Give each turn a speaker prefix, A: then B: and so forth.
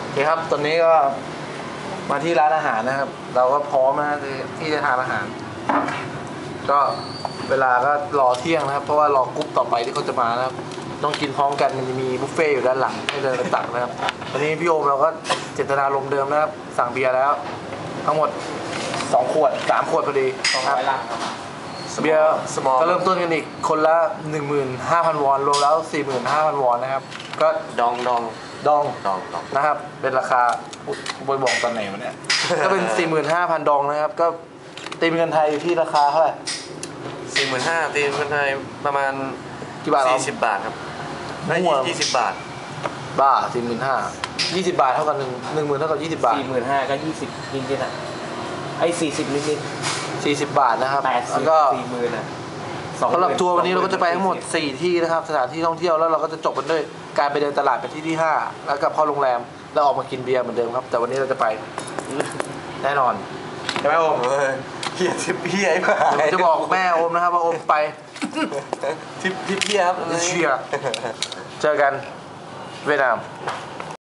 A: เคครับตอนนี้ก็มาที่ร้านอาหารนะครับ เราก็พร้อมนะที่จะทานอาหาร ก็เวลาก็รอเที่ยงนะครับ เพราะว่ารอกรุ๊ปต่อไปที่เขาจะมานะครับ ต้องกินพร้อมกันมันจะมีบุฟเฟ่อยู่ด้านหลังให้เดินไปตักนะครับตอนนี้พี่โอมเราก็เจตนารมณ์เดิมนะครับสั่งเบียร์แล้ว ทั้งหมด2 ขวด 3 ขวดพอดีครับเบียร์ก็เริ่มต้นกันอีกคนละ 15,000 วอนรวมแล้ว 45,000 วอนนะครับก็
B: ดอง
A: ดองนะครับเป็นราคาบอยบอกตอนไหนมันเนี่ย ก็เป็น 45,000 ดองนะครับก็ตีเป็นเงินไทยอยู่ที่ราคาเท่าไหร่
B: 45,000ตีเป็นไทยประมาณ
A: กี่บาท
B: 40 บาทครับได้20 บาท
A: บ้า 45,000 20 บาทเท่ากัน10,000เท่ากับ20 บาท
C: 45,000ก็20นิดๆอ่ะไอ้40นิด
A: 40 บาทนะครับแล้วก็
C: 40,000อ่ะ
A: สำหรับทัวร์วันนี้เราก็จะไปทั้งหมด4 ที่นะครับสถานที่ท่องเที่ยวแล้วเราก็จะจบกันด้วยการไปเดินตลาดไปที่5แล้วกลับเข้าโรงแรมแล้วออกมากินเบียร์เหมือนเดิมครับแต่วันนี้เราจะไปแน่นอนใช่ไหมโอม
B: เฮียทิปเฮียไอ้บ้า
A: ผมจะบอกแม่โอมนะครับว่าโอมไป
B: ทิปเฮียครับ
A: เชียร์เจอกันเวียดนาม